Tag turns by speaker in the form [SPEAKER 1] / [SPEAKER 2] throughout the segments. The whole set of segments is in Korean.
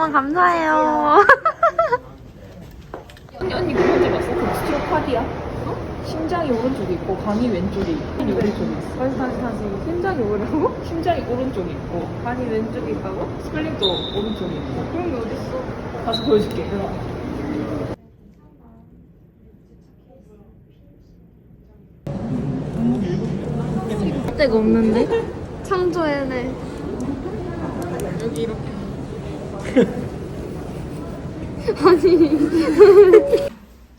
[SPEAKER 1] 너무 감사해요.
[SPEAKER 2] 언니 그거 찍었어? 그 스티로카디아? 심장이 오른쪽에 있고 간이 왼쪽에 있고 오른쪽에 있어.
[SPEAKER 3] 다시. 심장이 오르고
[SPEAKER 2] 심장이 오른쪽에 있고
[SPEAKER 3] 간이 왼쪽에 있다고?
[SPEAKER 2] 스플린도 오른쪽에 있고.
[SPEAKER 3] 그런 게 어딨어?
[SPEAKER 2] 가서 보여줄게.
[SPEAKER 1] 데가 없는데?
[SPEAKER 3] 창조해내. 여기 이렇게. 아니.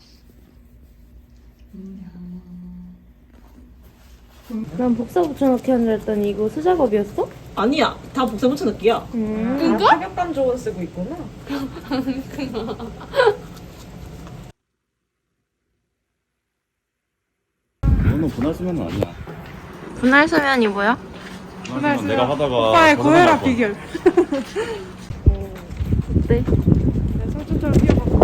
[SPEAKER 1] 난 복사 붙여넣기 한줄 알았더니 이거 수작업이었어?
[SPEAKER 2] 아니야, 다 복사 붙여넣기야.
[SPEAKER 3] 이거?
[SPEAKER 2] 타격감 조언 쓰고 있구나.
[SPEAKER 4] 너는 분할 수면은 아니야.
[SPEAKER 1] 분할 수면이 뭐야?
[SPEAKER 4] 분할 수면 내가 하다가
[SPEAKER 3] 오빠의
[SPEAKER 4] 벗어날
[SPEAKER 3] 고혈압
[SPEAKER 4] 거.
[SPEAKER 3] 비결.
[SPEAKER 1] 어때?
[SPEAKER 3] 내 설준처럼 뛰어봐.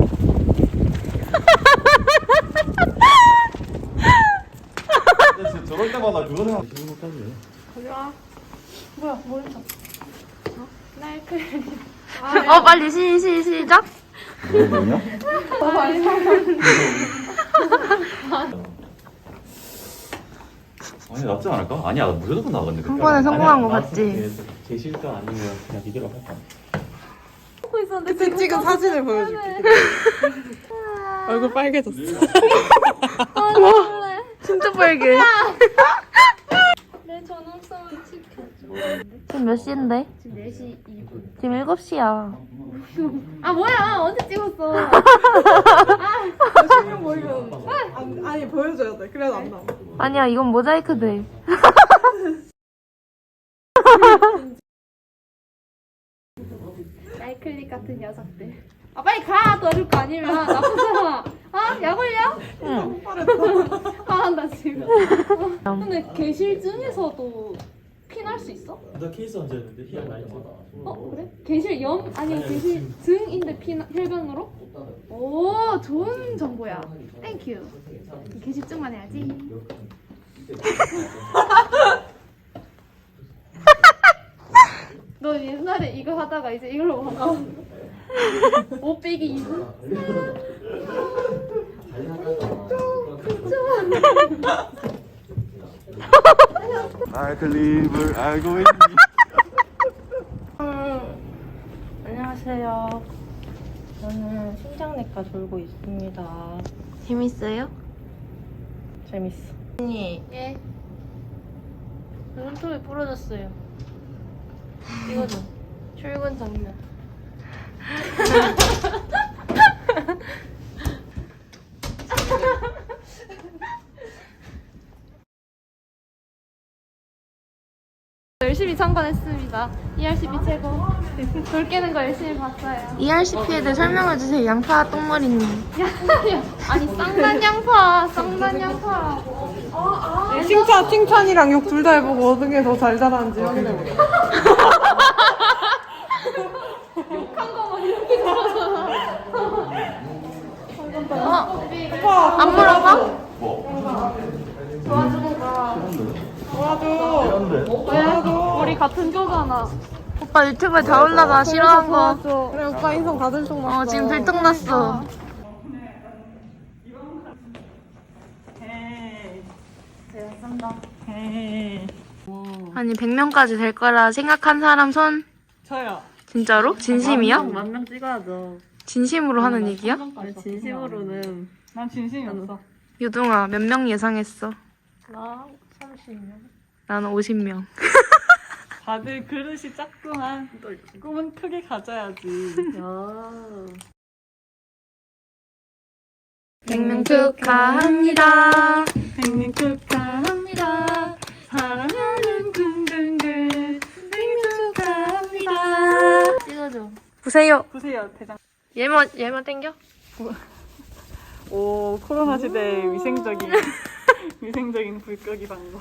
[SPEAKER 4] 근데 진짜 저럴 때마다 그거 생각. 지금 것까지 해.
[SPEAKER 3] 뭐야, 뭐 했어?
[SPEAKER 1] 빨리 시작.
[SPEAKER 4] 뭐냐? 아니 낫지 않을까? 아니야 무조건 나갔는데.
[SPEAKER 1] 한 번에 성공한 거 같지?
[SPEAKER 4] 제 실전 아니면 그냥 이대로 할까?
[SPEAKER 3] 그때 찍은 사진을 보여줄게. 얼굴 빨개졌어.
[SPEAKER 1] 진짜 빨개.
[SPEAKER 5] 내 전화성을 지켜.
[SPEAKER 1] 지금 몇 시인데?
[SPEAKER 5] 지금 4시 2분.
[SPEAKER 1] 지금 7시야.
[SPEAKER 5] 아 뭐야? 언제 찍었어?
[SPEAKER 3] 신경 보이면 아니 보여줘야 돼. 그래도 안 나와.
[SPEAKER 1] 아니야, 이건 모자이크 돼.
[SPEAKER 5] 나이클릭 같은 녀석들. 아 빨리 가! 떠줄 거 아니면 나쁘잖아. 아? 약 올려?
[SPEAKER 1] 응.
[SPEAKER 5] 아 나 지금. 근데 계실증에서도 피날 수 있어?
[SPEAKER 6] 너 케이스 얹었는데 희약 많이 줘.
[SPEAKER 5] 그래? 계실염? 아니면 계실증인데 혈변으로? 오 좋은 정보야. 땡큐. 계실증만 해야지. 너 옛날에 이거 하다가 이제 이걸로 하나? 5 빼기 2분?
[SPEAKER 4] 나이클립을 알고 있니?
[SPEAKER 1] 안녕하세요. 저는 신장내과 돌고 있습니다. 재밌어요? 재밌어. 언니,
[SPEAKER 5] 예.
[SPEAKER 1] 눈톱이 부러졌어요. 이거 좀. 출근 장면.
[SPEAKER 5] 열심히 참관했습니다. ERCP 최고. 돌 깨는 거 열심히 봤어요.
[SPEAKER 1] ERCP에 대해 설명해주세요. 양파 똥머리님.
[SPEAKER 5] 아니 쌍난 양파, 쌍난 양파라고.
[SPEAKER 3] 칭찬이랑 욕 둘 다 해보고 어느 게 더 잘 자라는지 확인해보자.
[SPEAKER 5] 욕한 거만 이렇게 들어서.
[SPEAKER 1] 안 물어봐?
[SPEAKER 3] 도와줘.
[SPEAKER 5] 우리 같은 교잖아.
[SPEAKER 1] 오빠 유튜브에 다 올라가. 싫어한 거.
[SPEAKER 3] 그래 오빠 인성 다 들통났어.
[SPEAKER 1] 지금 들통났어. 아니 100명까지 될 거라 생각한 사람 손?
[SPEAKER 3] 저요.
[SPEAKER 1] 진짜로? 진심이야?
[SPEAKER 3] 만명 찍어야죠.
[SPEAKER 1] 진심으로 하는 얘기야?
[SPEAKER 3] 아니, 진심으로는. 난 진심이 없어.
[SPEAKER 1] 유동아 몇 명 예상했어?
[SPEAKER 3] 나 30명.
[SPEAKER 1] 나는 50명.
[SPEAKER 3] 다들 그릇이 작구만. 꿈은 크게 가져야지.
[SPEAKER 1] 100명 축하합니다.
[SPEAKER 3] 100명 축하합니다. 사랑하는 둥둥글. 100명 축하합니다.
[SPEAKER 1] 찍어줘. 보세요.
[SPEAKER 3] 보세요, 대장.
[SPEAKER 1] 얘만 땡겨?
[SPEAKER 3] 오, 코로나 시대의 위생적인 불끄기 방법.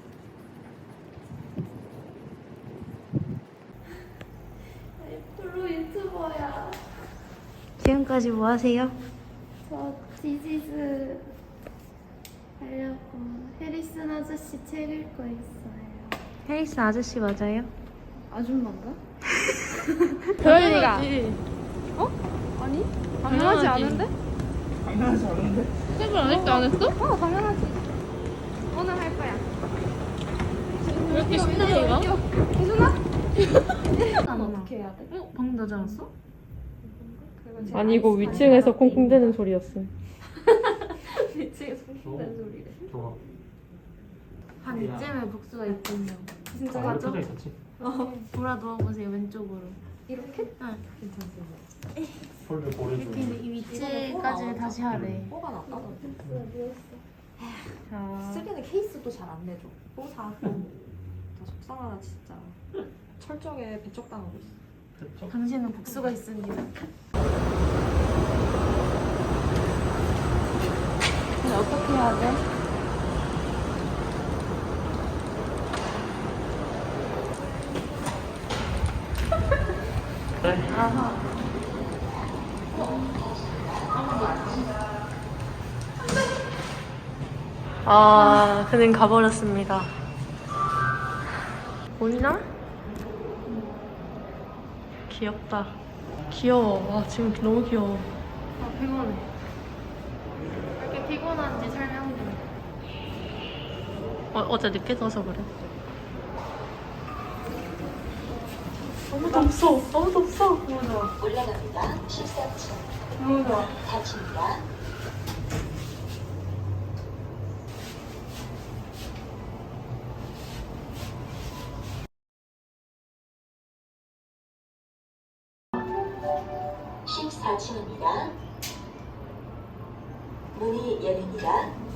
[SPEAKER 5] 프로 유튜버야.
[SPEAKER 1] 지금까지 뭐 하세요?
[SPEAKER 5] 저 디지즈 하려고 해리슨 아저씨 책 읽고 있어요.
[SPEAKER 1] 해리스 아저씨 맞아요?
[SPEAKER 5] 아줌마인가?
[SPEAKER 1] 도현이가
[SPEAKER 5] 아니?
[SPEAKER 1] 당연하지
[SPEAKER 5] 않은데?
[SPEAKER 2] 당연하지 않은데?
[SPEAKER 1] 세분 아직도 안 했어?
[SPEAKER 5] 당연하지. 오늘 할 거야.
[SPEAKER 1] 왜 이렇게 신나게 가?
[SPEAKER 5] 난 어떻게 해야 돼?
[SPEAKER 1] 방금 나지 않았어?
[SPEAKER 3] 아니고 위층에서 콩콩대는 소리였어.
[SPEAKER 5] 미치게 손댄 소리래.
[SPEAKER 6] 좋아.
[SPEAKER 1] 한 이쯤에 복수가 있군요.
[SPEAKER 5] 진짜
[SPEAKER 6] 아,
[SPEAKER 1] 맞아?
[SPEAKER 6] 표정 있었지?
[SPEAKER 1] 돌아 누워보세요, 왼쪽으로.
[SPEAKER 5] 이렇게?
[SPEAKER 1] 응.
[SPEAKER 6] 폴을 보여주고.
[SPEAKER 1] 근데 이 위치까지 다시 하래.
[SPEAKER 5] 뭐가 낫다.
[SPEAKER 3] 자,
[SPEAKER 5] 쓰기는 케이스도 잘 안 내줘. 또 사. 다 속상하다 진짜. 철저하게 배척당하고 있어.
[SPEAKER 6] 됐죠?
[SPEAKER 1] 당신은 복수가 있습니다. 근데 어떻게 해야 돼? 아, 그는 가버렸습니다. 보이나? 귀엽다. 귀여워. 와, 지금 너무 귀여워. 아, 피곤해. 왜 이렇게 피곤한지 설명 좀. 어제 늦게 자서 그래. 너무 덥어. 너무 덥어. 너무 좋아.
[SPEAKER 7] 올라갑니다. 13층.
[SPEAKER 1] 너무 좋아.
[SPEAKER 7] 4층입니다. (14층입니다) 문이 열립니다.